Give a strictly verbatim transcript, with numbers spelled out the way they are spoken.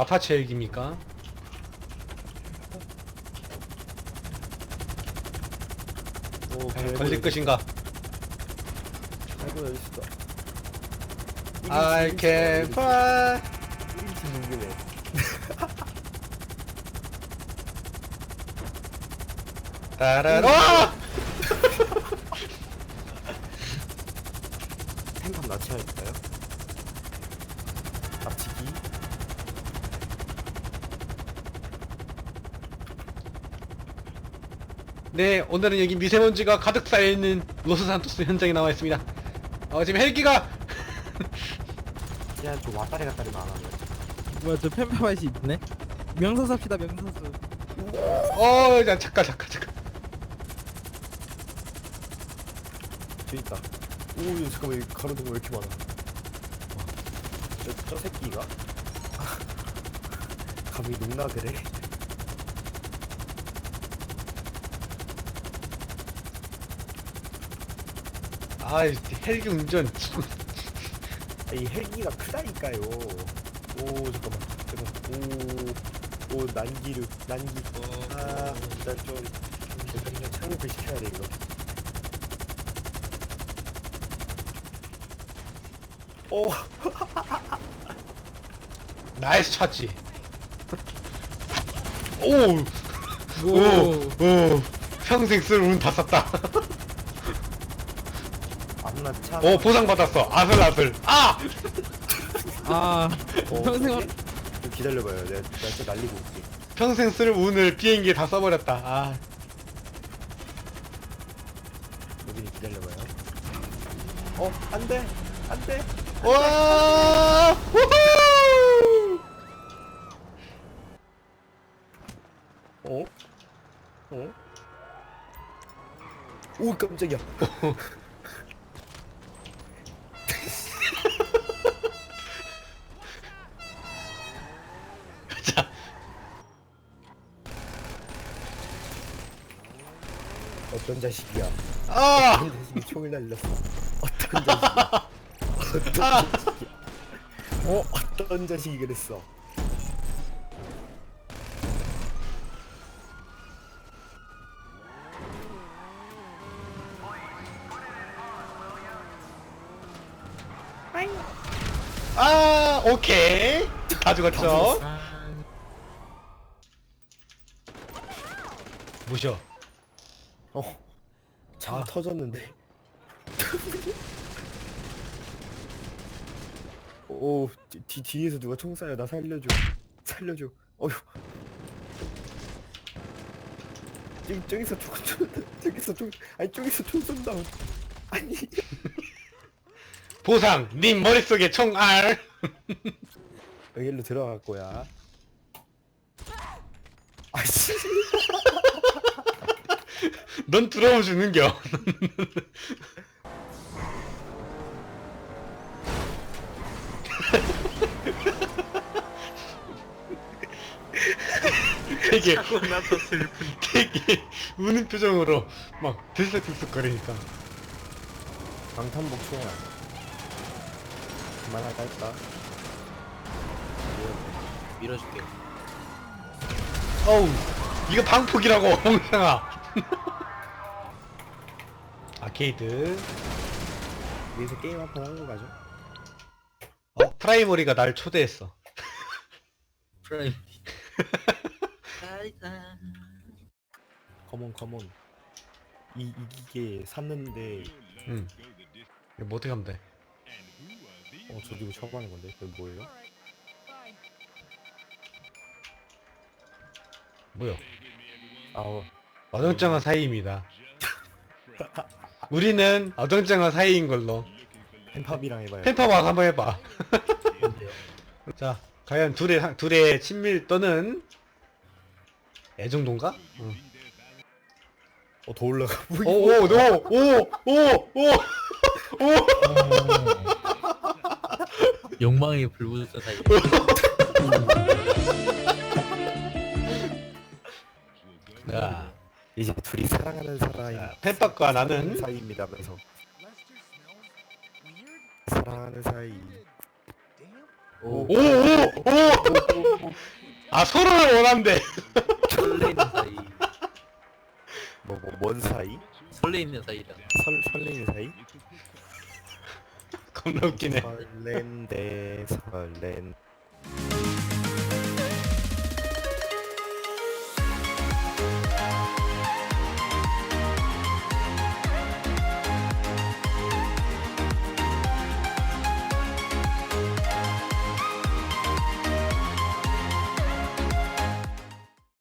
아파치 헬기입니까? 오, 과연 걸릴 것인가? 아이고 여기 있어. I can fly. 일 인칭 동굴에. 따라라. 템판 납치할까요? 납치기. 네, 오늘은 여기 미세먼지가 가득 쌓여있는 로스산토스 현장에 나와 있습니다. 어, 지금 헬기가 야, 좀 왔다리 갔다리만 안 하네. 뭐야 저 펜파맛이 있네? 명소수 합시다 명소수. 어, 야, 잠깐 잠깐 잠깐. 저기 있다. 오, 야, 잠깐만, 여기 가로등 왜 이렇게 많아? 저, 저 새끼가? 감히 농락을 해? 아, 헬기 운전. 아, 이 헬기가 크다니까요. 오, 잠깐만. 잠깐만. 오, 오, 난기류, 난기. 아, 일단 좀, 좀 착륙을 시켜야 돼, 이거. 오, 나이스 찾지. 오, 오, 오. 평생 쓸 운 다 썼다. 안나 차. 오, 보상 받았어. 아슬아슬. 아! 아 어, 평생 뭐지? 좀 기다려봐요. 내가, 내가 또 날리고 올게. 평생 쓸 운을 비행기에 다 써버렸다. 아. 여기 기다려봐요. 어, 안 돼! 안 돼! 와! 우후! 어? 어? 오, 깜짝이야. 자, 어떤 자식이야. 아! 어떤 자식이 총을 날렸어. 어떤 자식이야. 어떤 자식이야. 어? 어떤 자식이 그랬어. 아, 오케이. 다 죽었죠? 무셔. 어. 차 터졌는데. 오, 뒤, 뒤에서 누가 총 쏴요. 나 살려줘. 살려줘. 어휴. 저기, 저기서 총 쏜다. 저기서 총, 아니, 저기서 총 쏜다. 아니. 보상, 님 머릿속에 총알. 여기로 들어갈 거야. 아씨. 넌 들어오면 죽는겨. 되게 하고 나서 슬픈. 되게 우는 표정으로 막 들썩들썩거리니까. 방탄복 총알. 그만할까 할까? 밀어줄게. 어우, 이거 방폭이라고, 홍상아. 아케이드. 여기서 게임 한 판 하고 가죠. 어, 프라이머리가 날 초대했어. 프라임. 컴온 컴온. 이 이기게 샀는데 응. 이거 뭐 어떻게 하면 돼? 어 저 이거 처음 하는 건데 그게 뭐예요? 뭐요? 아우 어정쩡한 사이입니다. 우리는 어정쩡한 사이인 걸로. 펜팝이랑 해봐요. 펜파 와서 한번 해봐. 자, 과연 둘의 사- 둘의 친밀 또는 애정도인가? 응. 어 더 올라가. 오, 오, 오, 오, 오, 오, 오. 욕망의 불부자 사이. 자, 이제 둘이 사랑하는 사람이 자, 펜파과 나는 사이입니다면서 사랑하는 사이. 오, 오, 오, 오! 아, 서로를 원한대. 설레이는 사이. 뭐, 뭐, 뭔 사이? 설레이는 사이다. 설, 설레는 사이? 겁나 웃기네. 설렌데, 설렌.